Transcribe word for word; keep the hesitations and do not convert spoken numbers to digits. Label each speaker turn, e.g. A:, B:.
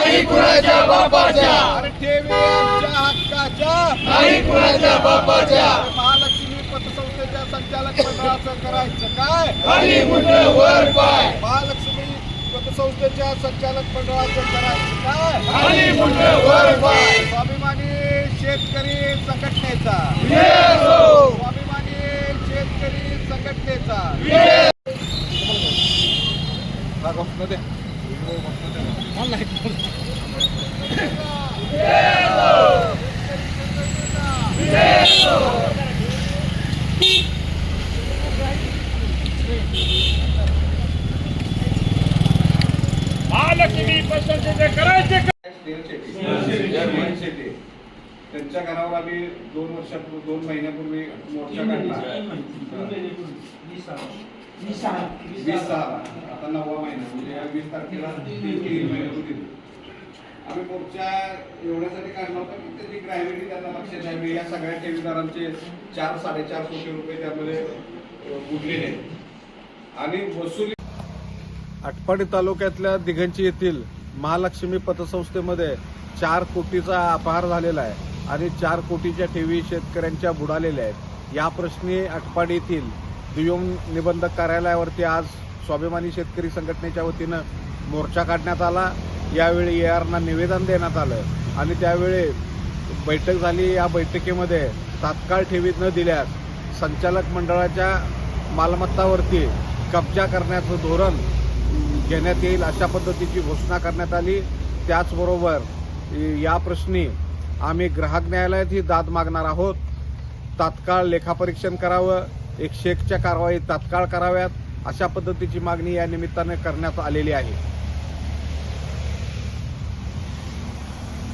A: नाही कुणाच्या बापाच्या,
B: अरे ठेवी आमच्या हक्काच्या
A: नाही कुणाच्या बापाच्या,
B: महालक्ष्मी पतसंस्थेच्या संचालक मंडळाचं करायचं काय,
A: खाली मुंड वर पाय,
B: महालक्ष्मी पतसंस्थेच्या संचालक मंडळाचं करायचं काय,
A: खाली मुंड वर पाय,
B: स्वाभिमानी शेतकरी संघटनेचा, स्वाभिमानी शेतकरी संघटनेचा
A: महालक्ष्मी पतसंस्थेचे करायचे
B: त्यांच्या घरावर आम्ही दोन वर्षापूर्वी दोन महिन्यापूर्वी मोर्चा काढला. वीस सहा आता नववा महिना म्हणजे या वीस तारखेला तीन महिन्यापूर्वी आम्ही मोर्चा एवढ्यासाठी काढला होता की त्याची ग्रॅव्हिटी त्यांना लक्षात यावी. या सगळ्या ठेवीदारांचे चार साडेचार कोटी रुपये त्यामध्ये बुडलेले आहेत आणि वसुली. आटपाडी तालुक्यातल्या दिघंची येथील महालक्ष्मी पतसंस्थेमध्ये चार कोटीचा अपहार झालेला आहे आणि चार कोटीच्या ठेवी शेतकऱ्यांच्या बुडालेल्या आहेत. या प्रश्नी आटपाडी येथील दुय्यम निबंधक कार्यालयावरती आज स्वाभिमानी शेतकरी संघटनेच्या वतीनं मोर्चा काढण्यात आला. यावेळी ए आरना निवेदन देण्यात आलं आणि त्यावेळी बैठक झाली. या बैठकीमध्ये तात्काळ ठेवी न दिल्यास संचालक मंडळाच्या मालमत्तावरती कब्जा करण्याचं धोरण घेण्यात येईल अशा पद्धतीची घोषणा करण्यात आली. त्याचबरोबर या प्रश्नी आम्ही ग्राहक न्यायालयातही दाद मागणार आहोत. तात्काळ लेखापरीक्षण करावं, एक शेकच्या कारवाई तात्काळ कराव्यात अशा पद्धतीची मागणी या निमित्ताने करण्यात आलेली आहे.